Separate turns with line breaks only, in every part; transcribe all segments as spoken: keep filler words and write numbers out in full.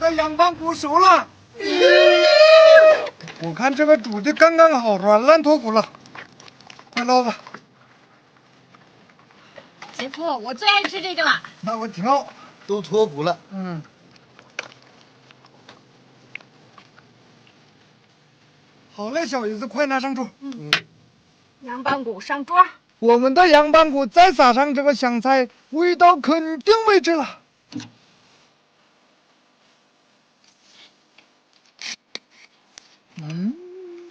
个羊棒骨熟了。我看这个煮的刚刚好，软烂脱骨了，快捞吧。
姐夫，我最爱吃这个了。
那我挺好，
都脱骨了。
嗯。好嘞，小姨子，快拿上桌。
嗯。羊棒骨上桌。
我们的羊棒骨再撒上这个香菜，味道肯定没治了。嗯，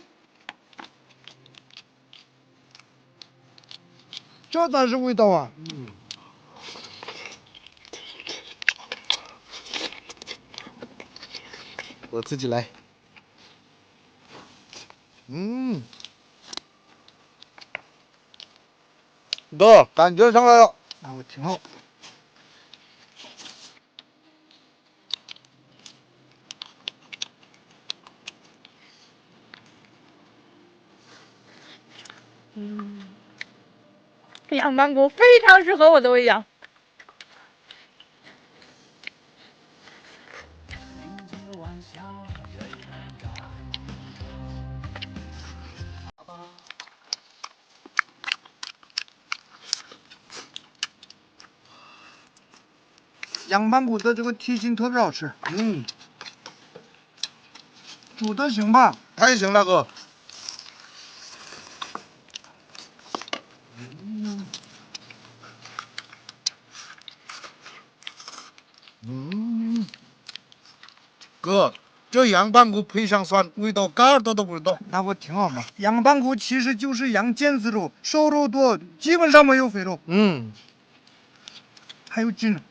这才是味道啊！
嗯，我自己来。嗯，哥，感觉上来了。
那我挺好。
嗯，这羊棒骨非常适合我的胃样。
羊棒骨的这个蹄筋特别好吃，
嗯，
煮的行吧？
还行，大哥。嗯，哥，这羊棒骨配上蒜，味道嘎儿多都不知道。
那不挺好吗？羊棒骨其实就是羊腱子肉，瘦肉多，基本上没有肥肉，
嗯，
还有筋。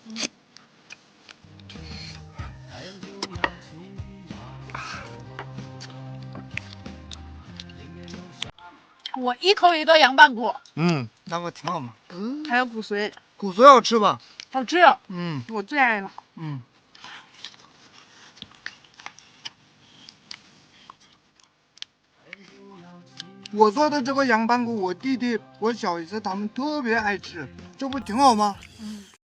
我一口一个羊棒骨，
嗯，
那不挺好吗？
嗯，还有骨髓，
骨髓好吃吧？
好吃。
嗯
我最爱了。
嗯。我做的这个羊棒骨，我弟弟、我小姨子他们特别爱吃，这不挺好吗？
嗯。